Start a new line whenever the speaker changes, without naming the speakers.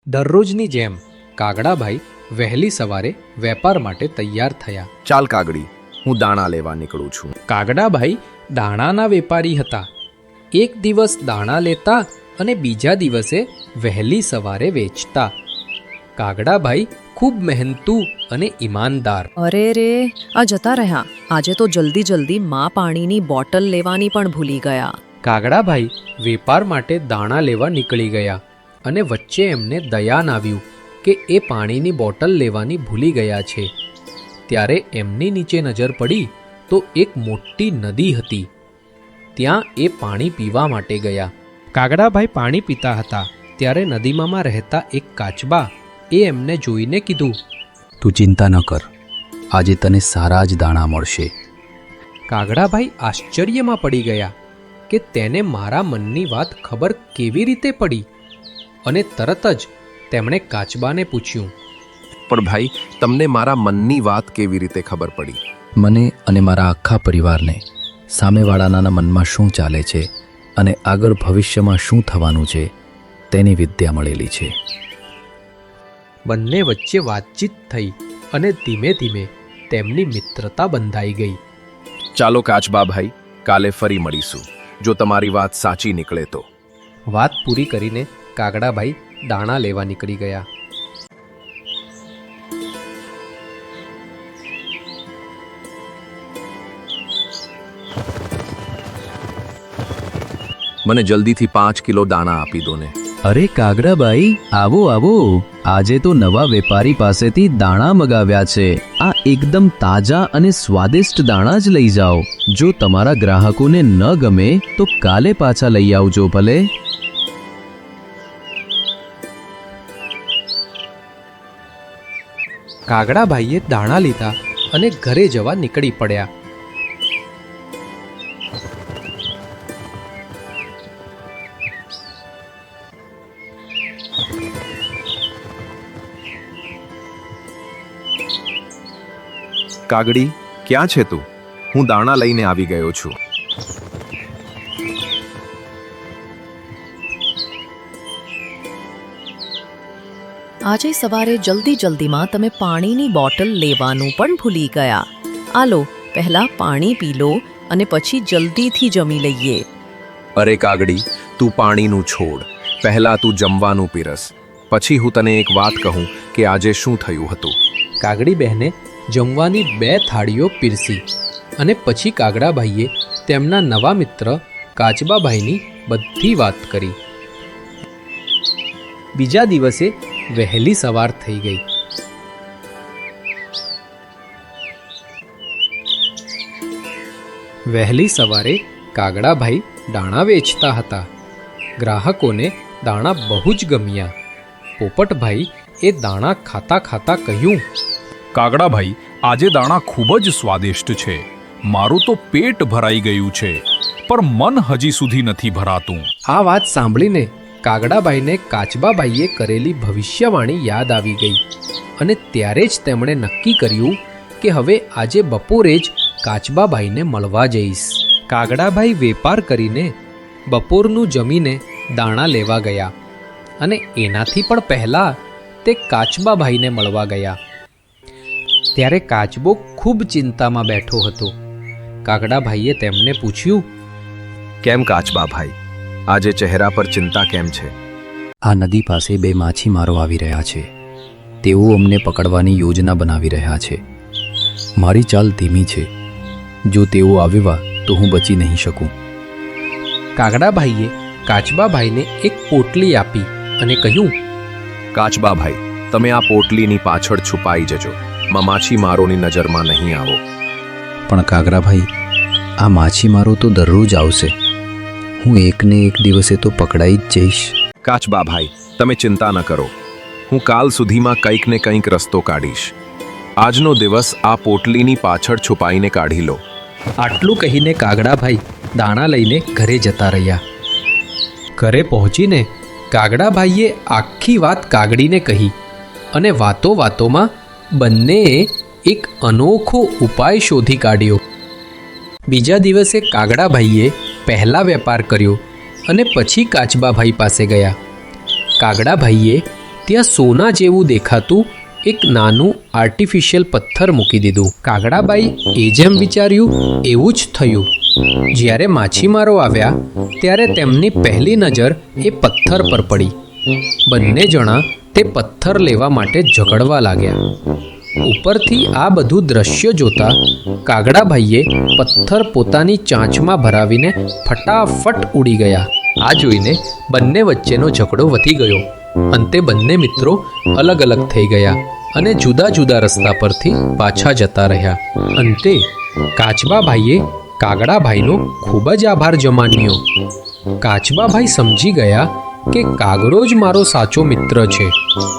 દરરોજની જેમ કાગડાભાઈ વહેલી સવારે વેપાર માટે તૈયાર થયા.
ચાલ કાગડી, હું દાણા લેવા નીકળું છું.
કાગડાભાઈ દાણાના વેપારી હતા. એક દિવસ દાણા લેતા અને બીજા દિવસે વહેલી સવારે વેચતા. કાગડાભાઈ ખૂબ મહેનતુ અને ઈમાનદાર.
અરે રે, આ જતા રહ્યા. આજે તો જલ્દી જલ્દી માં પાણીની બોટલ લેવાની પણ ભૂલી ગયા.
કાગડાભાઈ વેપાર માટે દાણા લેવા નીકળી ગયા અને વચ્ચે એમને દયાન આવ્યું કે એ પાણીની બોટલ લેવાની ભૂલી ગયા છે. ત્યારે એમની નીચે નજર પડી તો એક મોટી નદી હતી. ત્યાં એ પાણી પીવા માટે ગયા. કાગડાભાઈ પાણી પીતા હતા ત્યારે નદીમાં રહેતા એક કાચબા એ એમને જોઈને કીધું,
તું ચિંતા ન કર, આજે તને સારા જ દાણા મળશે.
કાગડાભાઈ આશ્ચર્યમાં પડી ગયા કે તેને મારા મનની વાત ખબર કેવી રીતે પડી, અને તરત જ તેમણે કાચબાને પૂછ્યું,
પણ ભાઈ, તમને મારા મનની વાત કેવી રીતે ખબર પડી?
મને અને મારા આખા પરિવારને સામેવાળાના મનમાં શું ચાલે છે અને આગળ ભવિષ્યમાં શું થવાનું છે તેની વિદ્યા મળેલી છે.
બંને વચ્ચે વાતચીત થઈ અને ધીમે ધીમે તેમની મિત્રતા બંધાઈ ગઈ.
ચાલો કાચબા ભાઈ, કાલે ફરી મળીશું, જો તમારી વાત સાચી નીકળે તો.
વાત પૂરી કરીને કાગડાભાઈ દાણા લેવા નીકળી ગયા.
મને જલ્દીથી 5 કિલો દાણા આપી દો ને.
અરે કાગડાભાઈ, આવો આવો, આજે તો નવા વેપારી પાસેથી દાણા મગાવ્યા છે. આ એકદમ તાજા અને સ્વાદિષ્ટ દાણા જ લઈ જાઓ. જો તમારા ગ્રાહકોને ન ગમે તો કાલે પાછા લઈ આવજો ભલે.
કાગડાભાઈએ દાણા લીધા અને ઘરે જવા નીકળી પડ્યા.
કાગડી, ક્યાં છે તું? હું દાણા લઈને આવી ગયો છું.
આજે સવારે જલ્દીમાં તમે પાણીની બોટલ લેવાનું પણ ભૂલી ગયા. આલો, પહેલા પાણી પી લો અને પછી જલ્દીથી જમી લઈએ.
અરે કાગડી, તું પાણીનું છોડ, પહેલા તું જમવાનું પીરસ, પછી હું તને એક વાત કહું કે આજે શું થયું હતું.
કાગડી બહેને જમવાની 2 થાળીઓ પીરસી અને પછી કાગડાભાઈએ તેમના નવા મિત્ર કાચબાભાઈની બધી વાત કરી. બીજા દિવસે વહેલી સવાર થઈ ગઈ. વહેલી સવારે કાગડાભાઈ દાણા વેચતા હતા. ગ્રાહકોને દાણા બહુ જ ગમ્યા. પોપટભાઈ એ દાણા ખાતા ખાતા કહ્યું,
કાગડાભાઈ, આજે દાણા ખૂબ જ સ્વાદિષ્ટ છે. મારું તો પેટ ભરાઈ ગયું છે, પણ મન હજી સુધી નથી ભરાતું.
આ વાત સાંભળીને કાગડાભાઈને કાચબાભાઈએ કરેલી ભવિષ્યવાણી યાદ આવી ગઈ અને ત્યારે જ તેમણે નક્કી કર્યું કે હવે આજે બપોરે જ કાચબાભાઈને મળવા જઈશ. કાગડાભાઈ વેપાર કરીને બપોરનું જમીને દાણા લેવા ગયા અને એનાથી પણ પહેલાં તે કાચબાભાઈને મળવા ગયા. ત્યારે કાચબો ખૂબ ચિંતામાં બેઠો હતો. કાગડાભાઈએ તેમને પૂછ્યું,
કેમ કાચબા ભાઈ, આજે ચહેરા પર ચિંતા કેમ છે?
આ નદી પાસે 2 માછીમારો આવી રહ્યા છે. તેઓ અમને પકડવાની યોજના બનાવી રહ્યા છે. મારી ચાલ ધીમી છે. જો તેઓ આવ્યા તો હું બચી નહીં શકું.
કાગડાભાઈએ કાચબાભાઈને એક પોટલી આપી અને કહ્યું,
કાચબા ભાઈ, તમે આ પોટલીની પાછળ છુપાઈ જજો. માછીમારોની નજરમાં નહીં આવો.
પણ કાગડાભાઈ, આ માછીમારો તો દરરોજ આવશે. હું એકને એક દિવસે તો પકડાઈ જ જઈશ.
કાચબા ભાઈ, તમે ચિંતા ન કરો. હું કાલ સુધીમાં કંઈક ને કંઈક રસ્તો કાઢીશ. આજનો દિવસ આ પોટલીની પાછળ છુપાઈને કાઢી લો.
આટલું કહીને કાગડાભાઈ દાણા લઈને ઘરે જતા રહ્યા. ઘરે પહોંચીને કાગડાભાઈએ આખી વાત કાગડીને કહી અને વાતોમાં બંનેએ એક અનોખો ઉપાય શોધી કાઢ્યો. બીજા દિવસે કાગડાભાઈએ પહેલા વેપાર કર્યો અને પછી કાચબાભાઈ પાસે ગયા. કાગડાભાઈએ ત્યાં સોના જેવું દેખાતું એક નાનું આર્ટિફિશિયલ પથ્થર મૂકી દીધું. કાગડાબાઈ એ જેમ વિચાર્યું એવું જ થયું. જ્યારે માછીમારો આવ્યા ત્યારે તેમની પહેલી નજર એ પથ્થર પર પડી. બંને જણા તે પથ્થર લેવા માટે ઝઘડવા લાગ્યા. ઉપરથી આ બધું દ્રશ્ય જોતા કાગડાભાઈએ પથ્થર પોતાની ચાંચમાં ભરાવીને ફટાફટ ઉડી ગયા. આ જોઈને બંને વચ્ચેનો ઝઘડો વધી ગયો. અંતે બંને મિત્રો અલગ અલગ થઈ ગયા અને જુદા જુદા રસ્તા પરથી પાછા જતા રહ્યા. અંતે કાચબાભાઈએ કાગડાભાઈનો ખૂબ જ આભાર જમાન્યો. કાચબાભાઈ સમજી ગયા કે કાગડો જ મારો સાચો મિત્ર છે.